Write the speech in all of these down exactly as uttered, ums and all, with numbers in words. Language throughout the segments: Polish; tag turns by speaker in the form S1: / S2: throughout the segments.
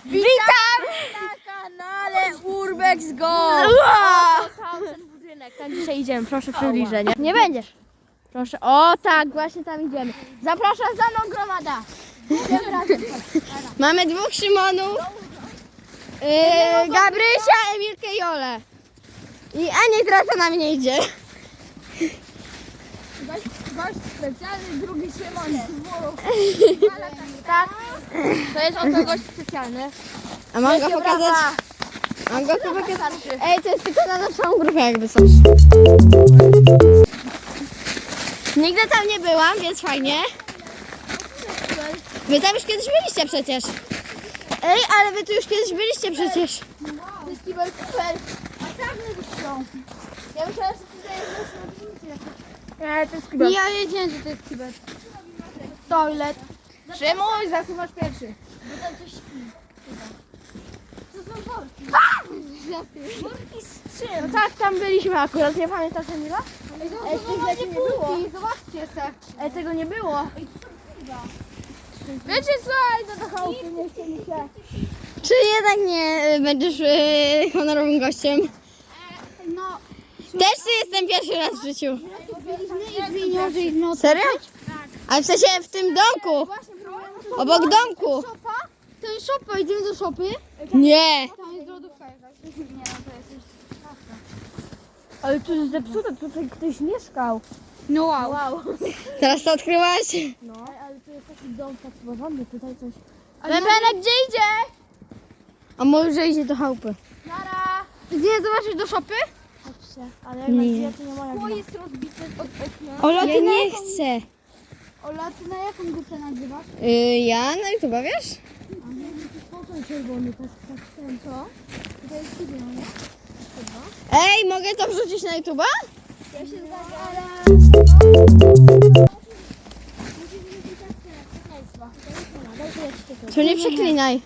S1: Witam na kanale Urbex Go! O, tam ten budynek, tam dzisiaj idziemy, proszę przybliżenie. Nie będziesz. Proszę, o tak, właśnie tam idziemy. Zapraszam za mną gromada. Idziemy razem.
S2: Mamy dwóch Szymonów. Yy, Gabrysia, Emilkę i Olę. I Ania teraz za nami nie idzie.
S1: Gość specjalny, drugi Szymon. Tak, to jest oto gość specjalny.
S2: A mam go
S1: Wielkie
S2: pokazać?
S1: brawa.
S2: Mam go tu pokazać? Ej, to jest tylko na naszą grupę jakby coś. Nigdy tam nie byłam, więc fajnie. Wy tam już kiedyś byliście przecież. Ej, ale wy tu już kiedyś byliście przecież.
S1: To jest kibel super. A tam nie są. Ja myślałam, że tutaj jest Nie, to jest kibel.
S2: Ja wiedziałem, że to jest kibel.
S1: Toilet. Szymuś, zasuwasz pierwszy.
S2: Bo tam coś śpi.
S1: To są worki. Worki z czym? No tak, tam byliśmy akurat, nie pamiętasz Emila? Ej, tych rzeczy nie było. Zobaczcie se. Ej, tego nie było. Wiecie co? Idę do chałupy, nie chce mi się.
S2: Czy jednak nie y, będziesz y, honorowym gościem?
S1: No.
S2: Też tu jestem pierwszy raz w życiu.
S1: Byliśmy i no.
S2: Serio? Ale w sensie w tym domku. Obok domku.
S1: To jest szopa, idziemy do szopy.
S2: Nie.
S1: Tam jest lodówka jakaś. Nie, no to jest coś. Ale tu jest zepsute, tutaj ktoś mieszkał.
S2: No wow.
S1: Wow.
S2: Teraz to odkryłaś?
S1: No, ale tu jest taki dom tak porządny, tutaj coś. Bębenek, gdzie idzie?
S2: A może idzie do chałupy?
S1: Nara! Nie zobaczysz do szopy? Chodźcie, ale jak
S2: Nie.
S1: na to nie ma jak Szkło jest rozbite od okna.
S2: Ola,
S1: Ja
S2: ty
S1: na
S2: nie
S1: jaką-
S2: chcę.
S1: Ola, ty na jaką grupę nagrywasz?
S2: Y, ja na YouTube, wiesz?
S1: A nie, to jest ten czerwony, tak, tak, ten, co? Tutaj jest siwy, no nie? Chyba.
S2: Ej, mogę to wrzucić na YouTube'a?
S1: Ja się zgadzam, ale...
S2: To nie przeklinaj.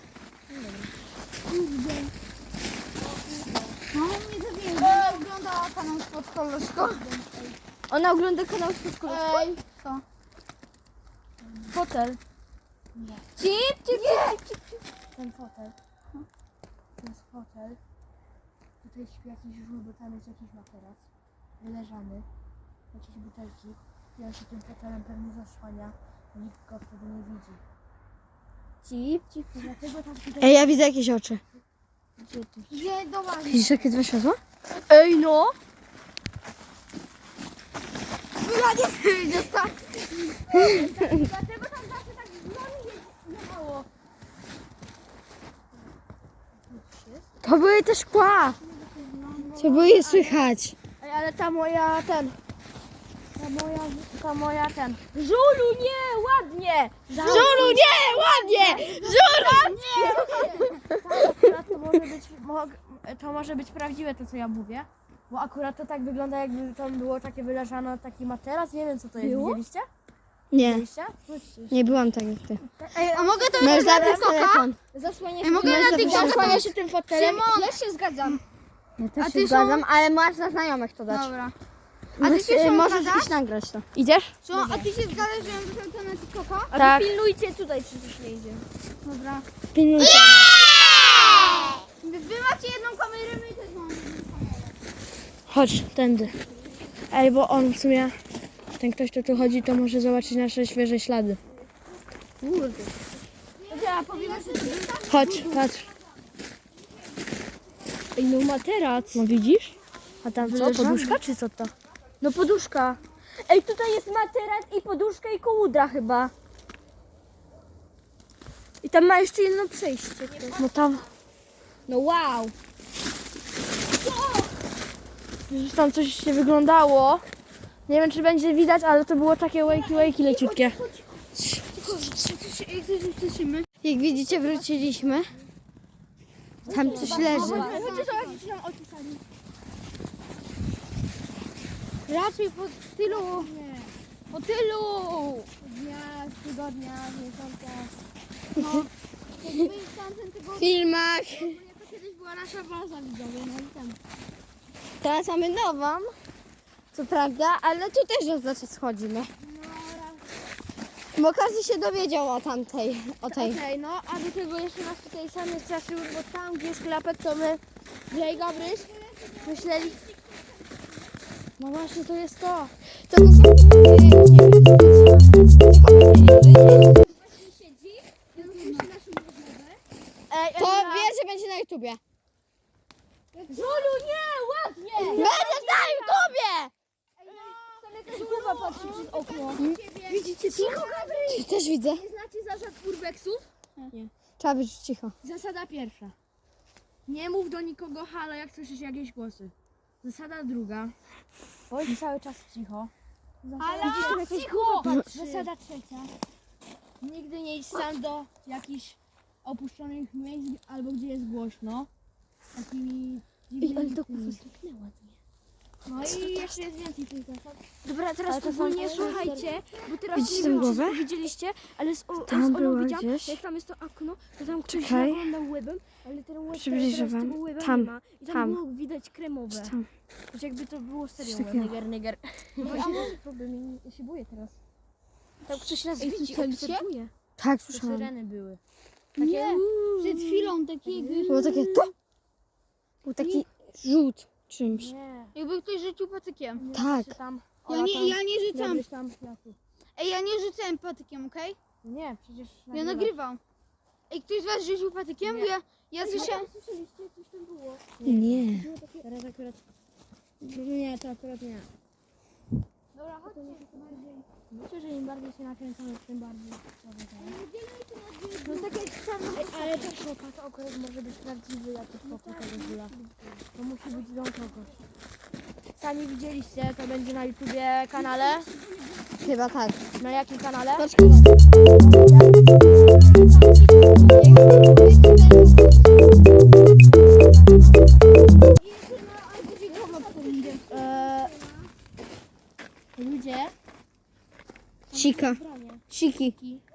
S1: No, mnie zabije. Ona ogląda kanał Spod Koloszko. Ona ogląda kanał Spod Koloszko? Ej, co? Fotel. Nie. Cip, cip, cip, cip, cip. Ten fotel. To jest fotel. Tutaj śpi jakiś żółw, bo tam jest jakiś materac. Wyleżany. Jakieś butelki. I on się tym fotelem pewnie zasłania. Nikt go wtedy nie widzi. Cip, cip. Dlatego tam tutaj...
S2: Ej, ja widzę jakieś oczy.
S1: Gdzie ty? Gdzie do was?
S2: Widzisz jakie dwa światła?
S1: Ej no! Ja nie chcę tak. Dlatego tam zawsze tak z nami jechało.
S2: To były te szkła. To były je słychać.
S1: Ej, ale ta moja ten. Ta moja, ta moja ten. Żulu, nie, ładnie!
S2: Żulu, nie, ładnie! Żulu!
S1: Akurat to może być, mog- to może być prawdziwe to, co ja mówię. Bo akurat to tak wygląda, jakby tam było takie wyleżane, taki materac. Nie wiem, co to jest.
S2: Było?
S1: Widzieliście?
S2: Nie,
S1: Widzieliście? Chodźcie.
S2: nie byłam tak jak ty.
S1: Ej, a mogę to
S2: Możesz zabrać telefon.
S1: Zasłaniać
S2: Ej, mogę
S1: tym-
S2: na TikToka
S1: zasłania się tym fotelem.
S2: Szymon!
S1: Ja się zgadzam.
S2: Ja też
S1: A
S2: się
S1: ty
S2: zgadzam, ale masz na znajomych to dać.
S1: Dobra.
S2: A
S1: ty się, Szymon,
S2: możesz
S1: zgadzasz?
S2: iść nagrać to.
S1: Idziesz?
S2: Co? A ty się zgadzasz, że ja muszę to na TikToka?
S1: A tak. Pilnujcie tutaj, czy coś nie idzie. Dobra.
S2: Pilnujcie.
S1: Wy macie jedną kamerę, my też mamy jedną kamerę.
S2: Chodź, tędy. Ej, bo on w sumie, ten ktoś, kto tu chodzi, to może zobaczyć nasze świeże ślady.
S1: Kurde. Dobra, powiemy, że
S2: Chodź, patrz.
S1: Ej, no materac.
S2: No widzisz?
S1: A tam
S2: Co, poduszka
S1: czy co to? No poduszka. Ej, tutaj jest materac i poduszka i kołudra chyba. I tam ma jeszcze jedno przejście.
S2: No tam.
S1: No wow. Już tam coś się wyglądało. Nie wiem, czy będzie widać, ale to było takie łejki, łejki leciutkie.
S2: Jak widzicie, wróciliśmy. Tam coś leży.
S1: Chodźcie zobaczyć, co tam opisali. Raczej po tylu. Po tylu. Dnia, tygodnia, miesiąca. No. Jakby w tamtym tygodniu.
S2: W filmach.
S1: To kiedyś była nasza baza widzowa, no i tam.
S2: Teraz mamy nową. Co prawda, ale tu też raz zacząć schodzimy.
S1: No raz.
S2: Bo każdy się dowiedział o tamtej, o tej.
S1: Okej, no a do tego jeszcze nas tutaj same straszyły, bo tam gdzie jest klapek, to my, ja i Gabryś, myśleli... No właśnie, to jest to.
S2: To są
S1: Ej,
S2: To wie, że będzie na YouTubie.
S1: Żulu, nie, ładnie!
S2: Będzie na YouTubie!
S1: Tam jakaś głowa patrzy przez okno.
S2: Widzicie
S1: Cicho, Gabryś!
S2: Też widzę.
S1: Nie znacie zasad urbexów?
S2: Trzeba być cicho.
S1: Zasada pierwsza. Nie mów do nikogo halo, jak słyszysz jakieś głosy. Zasada druga. Bądź cały czas cicho.
S2: Halo,
S1: Widzisz, tam jakieś
S2: cicho!
S1: głowy patrzy. Zasada trzecia. Nigdy nie idź sam do jakichś opuszczonych miejsc albo gdzie jest głośno. Takimi dziwnymi tymi. No i jeszcze jest więcej tych zasad. Dobra, teraz
S2: Ale to są-
S1: ogólnie słuchajcie, bo teraz
S2: Widzicie
S1: nie
S2: tę
S1: wiem, czy
S2: głowę?
S1: widzieliście, ale z, o,
S2: Tam
S1: z Olą
S2: była
S1: widziałam,
S2: gdzieś.
S1: jak tam jest to okno, to tam ktoś
S2: Czekaj.
S1: naglądał łebem, ale ten łeb
S2: Przybliżę
S1: teraz
S2: wam.
S1: tego łeba
S2: Tam,
S1: nie ma. I tam,
S2: tam.
S1: było widać kremowe.
S2: Tam.
S1: Że jakby to było serio
S2: Coś
S1: łeb.
S2: takiego.
S1: Niger, niger. No właśnie to jest problem, ja się boję teraz. Tam ktoś nas
S3: Ej,
S1: widzi,
S3: słyszeliście?
S1: obserwuje.
S2: Tak,
S1: To
S2: słyszałam.
S1: syreny były.
S3: Nie,
S1: uuu.
S3: przed chwilą takiego.
S2: Było takie to. Był taki rzut czymś.
S1: Nie.
S3: Jakby ktoś rzucił patykiem.
S1: nie
S2: Tak.
S1: czy Tam,
S3: Ja
S1: Ola
S3: nie,
S1: tam,
S3: ja nie rzucam.
S1: Gabryś tam, ja tu.
S3: Ej, ja nie rzucałem patykiem, okej?
S1: Nie, przecież
S3: Ja nagrywam. Ej, ktoś z was rzucił patykiem?
S1: Nie.
S3: Bo ja, ja słyszałem.
S1: Słyszeliście? Coś tam było.
S2: Nie.
S1: Teraz akurat... Nie, to akurat nie.
S3: Dobra, chodźcie.
S1: Myślę, że im bardziej się nakręcamy, tym bardziej. No tak jak sam... Ale ta szopa to akurat może być prawdziwy jakiś pokój tego żula. To musi być dom kogoś. Sami widzieliście, to będzie na YouTubie kanale.
S2: Chyba tak.
S1: Na jakim kanale?
S2: Patrzcie.
S1: Eee, ludzie.
S2: Sika. Siki.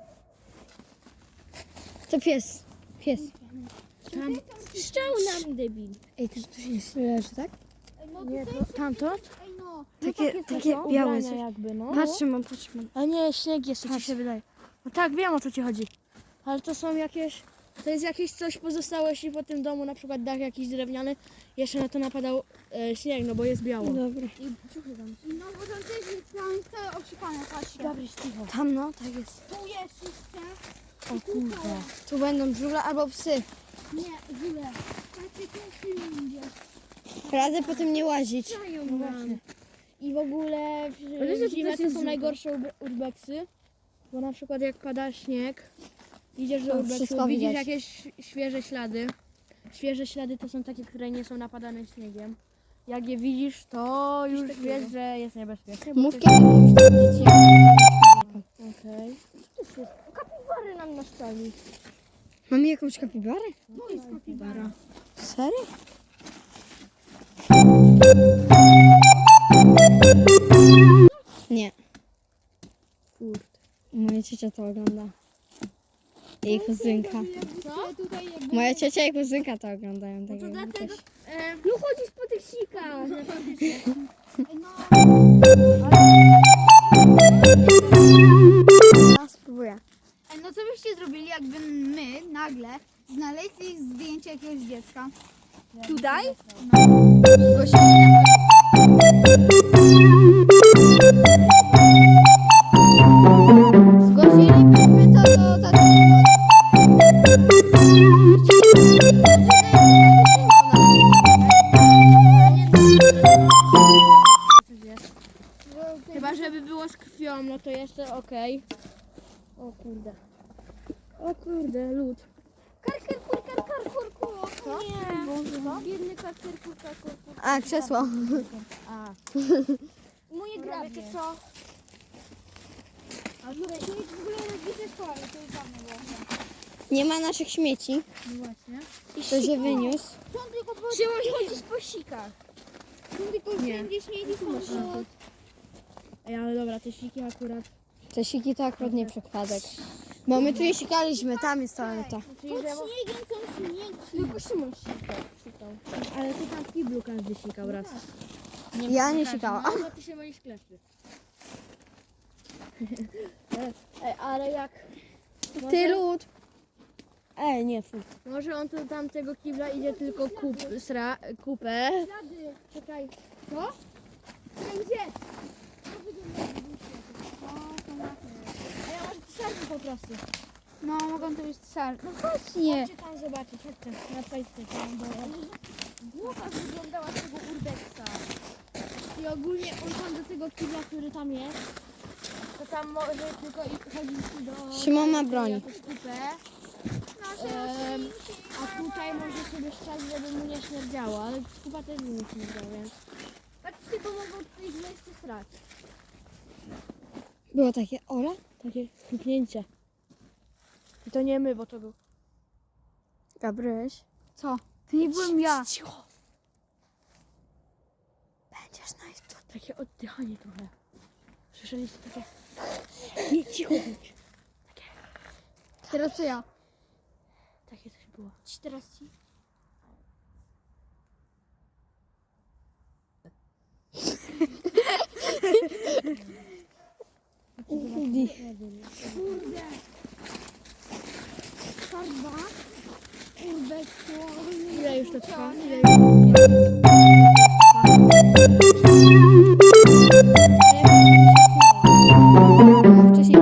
S2: To pies. Pies.
S1: Tam szczał nam debil.
S2: Ej, to tu się leży, tak?
S1: Nie, to tamto?
S3: Ej, no.
S2: Takie, takie
S1: są
S2: białe
S1: ubrania
S2: coś.
S1: jakby, no.
S2: Patrzcie, mam, patrzcie, mam.
S1: A nie, śnieg jest, co ci się wydaje. No tak, wiem o co ci chodzi. Ale to są jakieś, to jest jakieś coś pozostałości po tym domu, na przykład dach jakiś drewniany. Jeszcze na to napadał e, śnieg, no bo jest biało.
S2: Dobra.
S1: I ciuchy tam.
S3: No bo tam też jest tam jest całe obsikane, patrzcie.
S1: Gabryś, cicho.
S2: Tam no, tak jest.
S3: Tu jest jeszcze.
S1: O kurde.
S2: Tu będą żule albo psy.
S3: Nie, żule. Patrzcie, tu idzie.
S2: Radzę po tym nie łazić.
S1: No właśnie. I w ogóle
S2: Ale że
S1: w
S2: to
S1: zimę
S2: też
S1: to
S2: jest
S1: są
S2: żółte.
S1: najgorsze ur- urbexy. Bo na przykład jak pada śnieg, idziesz do
S2: To
S1: urbexu,
S2: wszystko
S1: widzisz
S2: widać.
S1: jakieś świeże ślady. Świeże ślady to są takie, które nie są napadane śniegiem. Jak je widzisz, to już wiesz, że jest niebezpieczne. bo
S2: Mów
S1: to
S2: kiedy mówisz do dzieci.
S1: jest- Okej. Co to jest? Kapibary nam naszczali.
S2: Mamy jakąś kapibarę?
S1: No jest kapibara.
S2: Serio? Nie.
S1: Kurde.
S2: Moja ciocia to ogląda. Jej kuzynka.
S3: Co? Tutaj jakby...
S2: Moja ciocia i kuzynka to oglądają.
S1: No
S2: Tak
S1: to
S2: jakby
S1: dlatego...
S2: też.
S1: E, no chodzisz po tych sikach.
S3: Ej, no.
S2: Ja spróbuję.
S3: Ej, no co byście zrobili, jakby my nagle znaleźli zdjęcie jakiegoś dziecka?
S1: Tutaj?
S2: Zgłosili na Zgłosilibyśmy to do takiego.
S1: Chyba żeby było z krwią, no to jeszcze okej. O kurde. O kurde, lód.
S3: Karkerkur, karkerkur,
S1: Co?
S3: Nie. Biedny karkerkur, karkerkur.
S2: A, krzesło.
S1: A,
S3: Moje
S1: dobra,
S3: grabie.
S1: wiecie co?
S3: A w ogóle w ogóle rozbite szkoły, to już dawno było.
S2: Nie ma naszych śmieci.
S1: No właśnie.
S2: To się wyniósł.
S3: Są tylko po...
S1: Trzymaj chodzić po sikach.
S3: Są tylko
S1: Nie.
S3: wszędzie śmieci, są to...
S1: Ej, ale dobra, te siki akurat.
S2: Te siki to akurat nie przypadek. Bo my tu je sikaliśmy, tam jest toaleta.
S1: Czyli,
S3: Pod
S1: że...
S3: śniegiem są śmieci.
S1: Tylko Szymon sikał. sikał. Ale ty tam w kiblu każdy sikał raz.
S2: Ja nie
S1: każdy.
S2: sikałam.
S1: No, bo ty się boisz kleszy. Ej, ale jak...
S2: Ty lód. Ej, nie, fuj.
S1: Może on tu tam tego kibla idzie tylko kup, sra, kupę.
S3: Ślady.
S1: Czekaj.
S3: Co?
S1: Gdzie? A ja może pisarki po prostu.
S3: No, mogą to być sal. No właśnie.
S1: Chodźcie tam zobaczyć, chodźcie. Na Facebooku tam było. Głowa wyglądała z tego urbeksa. I ogólnie on tam do tego kibla, który tam jest, to tam może tylko i- chodzić do...
S2: Szymon ma broń.
S1: jakąś kupę. Em, a tutaj może sobie szczać, żeby mu nie śmierdziało, ale kupa też by mu śmierdziała, więc... Patrzcie, bo mogą tutaj źle jeszcze srać.
S2: Było takie Ola?
S1: Takie kliknięcie. I to nie my, bo to był...
S2: Gabryś.
S3: Co? To nie byłem ja.
S1: Cicho!
S2: Będziesz na YouTube.
S1: Takie oddychanie trochę. Słyszeliście takie... Nie, cicho bądź.
S3: Teraz to ja.
S1: Takie coś było. Ci teraz ci...
S3: Kurde. Farba. Urbeksu.
S1: Ile już to trwa? Ile już...
S2: Wcześniej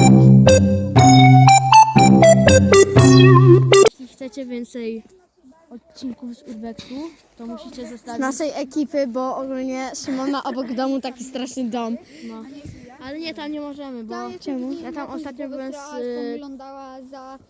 S1: Jeśli chcecie więcej odcinków z Urbexu, to musicie
S2: z
S1: zostawić...
S2: naszej ekipy, bo ogólnie Szymon ma obok domu taki straszny dom.
S1: No. Ale nie, tam nie możemy, bo...
S2: Czemu?
S1: Ja tam ostatnio byłem z...
S3: Która
S1: y,
S3: wyglądała za...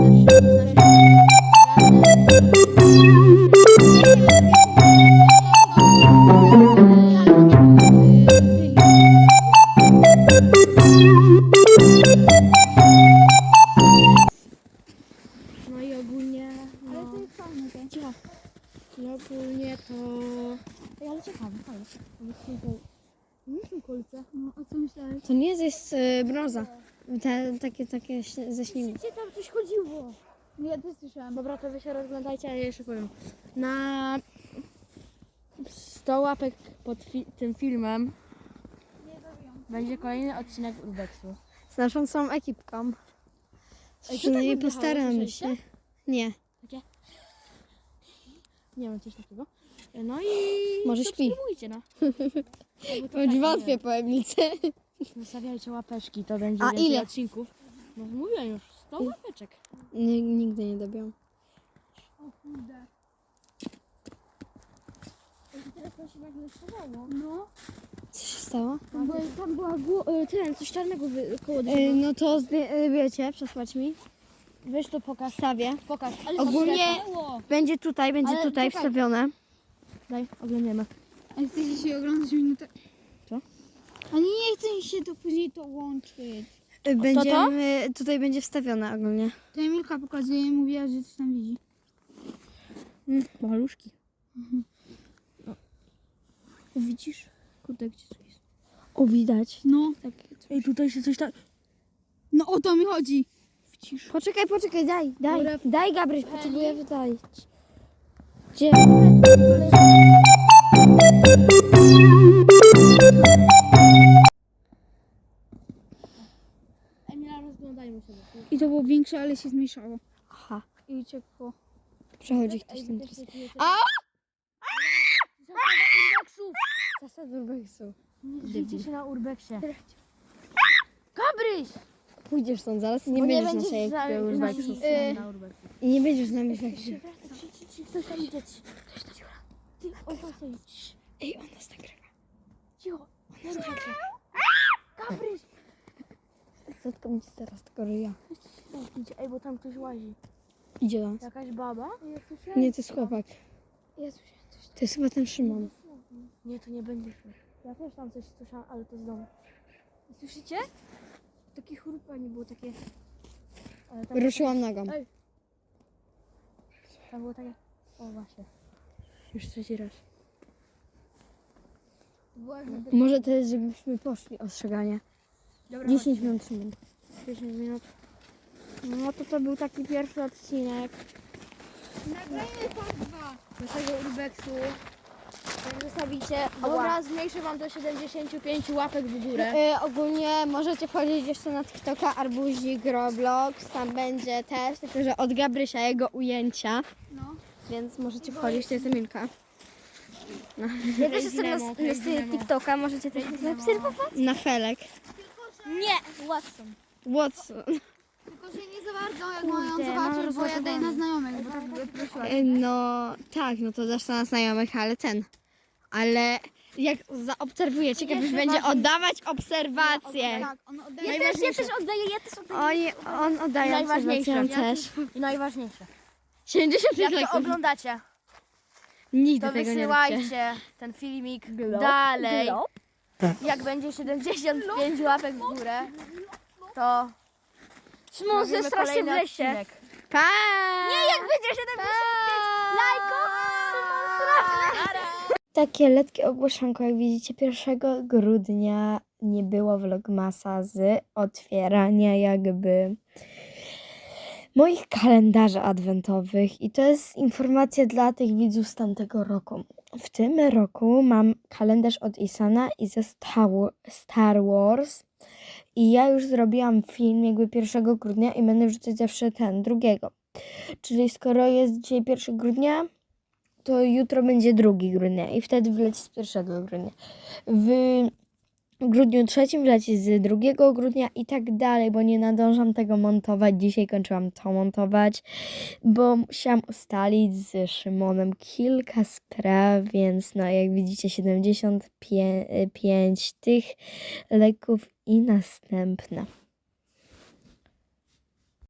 S1: No i ogólnie...
S3: Ale
S1: No,
S3: to jest fajne, to.
S1: cicho. I ogólnie to... Ej, ale ciekawe, fajnie. Nie są kolce.
S3: No, a co myślałeś?
S2: To nie jest y, brąza. Te, takie, takie śnie- ze śniegu.
S1: Gdzie tam coś chodziło?
S3: No, ja też słyszałam.
S1: Dobra, to wy się rozglądajcie, a ja jeszcze powiem. Na sto łapek pod fi- tym filmem będzie kolejny odcinek Urbexu.
S2: Z naszą całą ekipką.
S1: Ej, co tak
S2: Przynajmniej
S1: oddychało,
S2: postaramy się.
S1: słyszeliście?
S2: Nie.
S1: Takie? Nie wiem, coś takiego. No i
S2: Może śpi.
S1: subskrybujcie, no. Albo to
S2: Bądź
S1: tak,
S2: wątpię
S1: nie
S2: po Emilce.
S1: wiem. Zostawiajcie łapeczki, to będzie
S2: A
S1: więcej
S2: ile?
S1: odcinków. No mówiłem już, sto łapeczek.
S2: Nie, nigdy nie dobią.
S3: O kurde.
S1: I teraz to się nagle schowało.
S3: No.
S2: Co się stało?
S1: Tam, była, tam była gło- y, ten, coś czarnego wy- koło drzewa.
S2: Y, no to zdję- y, wiecie, przesłać mi.
S1: Weź to pokaż.
S2: Wstawię.
S1: Pokaż. Ale
S2: Ogólnie-
S1: zaświetlało.
S2: Będzie tutaj, będzie
S1: Ale
S2: tutaj
S1: czekaj.
S2: wstawione.
S1: Daj, oglądniemy.
S3: A chcecie się oglądać minutę?
S1: Co?
S3: Ale nie chcę mi się to później to łączyć.
S2: Y, Będziemy, tutaj będzie wstawione ogólnie.
S3: To Emilka pokazuje, mówiła, że coś tam widzi.
S1: Mm, maluszki. No. O, widzisz? Kurde, gdzie to jest? O, widać.
S3: No.
S1: Takie coś. Ej, tutaj się coś tak...
S3: No o to mi chodzi.
S1: Widzisz?
S2: Poczekaj, poczekaj, daj, daj.
S1: Dobra.
S2: Daj, Gabryś, potrzebuję wydalić. Gdzie?
S1: Emila, rozglądajmy się.
S3: I to było większe, ale się zmniejszało.
S2: Aha,
S3: I uciekło.
S2: przechodzi ktoś tam teraz.
S1: A! Zasada urbexu!
S2: Zasad urbexu.
S1: Nie drzyjcie się na urbexie. Gabryś!
S2: Pójdziesz stąd zaraz i nie
S1: Bo
S2: będziesz
S1: będziesz
S2: naszej
S1: za-
S2: ekipy urbexu.
S1: z- na urbexu.
S2: I nie będziesz z nami w ekipie.
S1: Ci, ci, ci, ktoś tam idzie. ci. Ktoś tam idzie. Ty, on tam stoi. Cii,
S2: Ej, on nas nagrywa.
S1: cicho. On tam idzie. Gabryś!
S2: Zatkam ci teraz tego ryja.
S1: Idzie. Ej, bo tam ktoś łazi.
S2: Idzie do nas.
S1: Jakaś baba?
S2: Nie, to jest chłopak.
S1: Ja słyszałem coś.
S2: To jest chyba ten Szymon.
S1: Nie, to nie będzie śmiech. Ja też tam coś słyszałam, ale to z domu. Słyszycie? Takie chrupanie było takie... Ale tam,
S2: Ruszyłam nogą.
S1: Ej. tam było takie... O właśnie. Już trzeci raz.
S2: Może to jest, żebyśmy poszli ostrzeganie.
S1: Dobra,
S2: dziesięć minut Szymon.
S1: dziesięć minut. No to to był taki pierwszy odcinek
S3: Nagrajmy part dwa.
S1: naszego urbexu. Jak zostawicie,
S2: Ała.
S1: dobra, zmniejszę wam do siedemdziesięciu pięciu łapek w górę.
S2: Y, ogólnie możecie wchodzić jeszcze na TikToka Arbuzik Roblox, tam będzie też, tylko że od Gabrysia jego ujęcia,
S3: No.
S2: więc możecie wchodzić, to jest Emilka.
S1: Ja też jestem na, na stronie TikToka, możecie też zaobserwować.
S2: Na Felek.
S1: Nie, Watson.
S2: Watson.
S3: Tylko, że nie za bardzo, jak mają
S1: Kurde, mam
S3: zobaczyć, bo ja daję na
S1: rozładowane.
S3: znajomych, bo tak by prosiłaś.
S2: Y, No tak, no to dasz to na znajomych, ale ten. Ale jak zaobserwujecie, Gabryś
S1: Jeszcze
S2: będzie
S1: ważniej.
S2: oddawać obserwacje.
S3: Tak, on oddaje.
S1: Ja też, ja też oddaję, ja też oddaję.
S2: Oj, on oddaje
S1: Najważniejsze.
S2: obserwacje, on
S1: Ja
S2: też.
S1: I najważniejsze.
S2: siedemdziesiąt
S1: Jak
S2: lajków.
S1: to oglądacie,
S2: Nigdy
S1: to
S2: tego nie róbcie.
S1: wysyłajcie ten filmik dalej. Jak będzie siedemdziesiąt pięć łapek w górę, to
S2: Szymon,
S1: robimy kolejny odcinek.
S2: Pa!
S1: Nie, jak będzie siedemdziesiąt pięć lajków, Szymon straszny.
S2: Takie letkie ogłoszonko, jak widzicie, pierwszego grudnia nie było vlogmasa z otwierania jakby moich kalendarzy adwentowych i to jest informacja dla tych widzów z tamtego roku. W tym roku mam kalendarz od Isana i ze Star Star Wars i ja już zrobiłam film jakby pierwszego grudnia i będę wrzucać zawsze ten, drugiego. Czyli skoro jest dzisiaj pierwszego grudnia, to jutro będzie drugi grudnia i wtedy wleci z pierwszego grudnia. W grudniu trzecim wleci z drugiego grudnia i tak dalej, bo nie nadążam tego montować. Dzisiaj kończyłam to montować, bo musiałam ustalić z Szymonem kilka spraw, więc no jak widzicie siedemdziesiąt pięć tych leków i następne.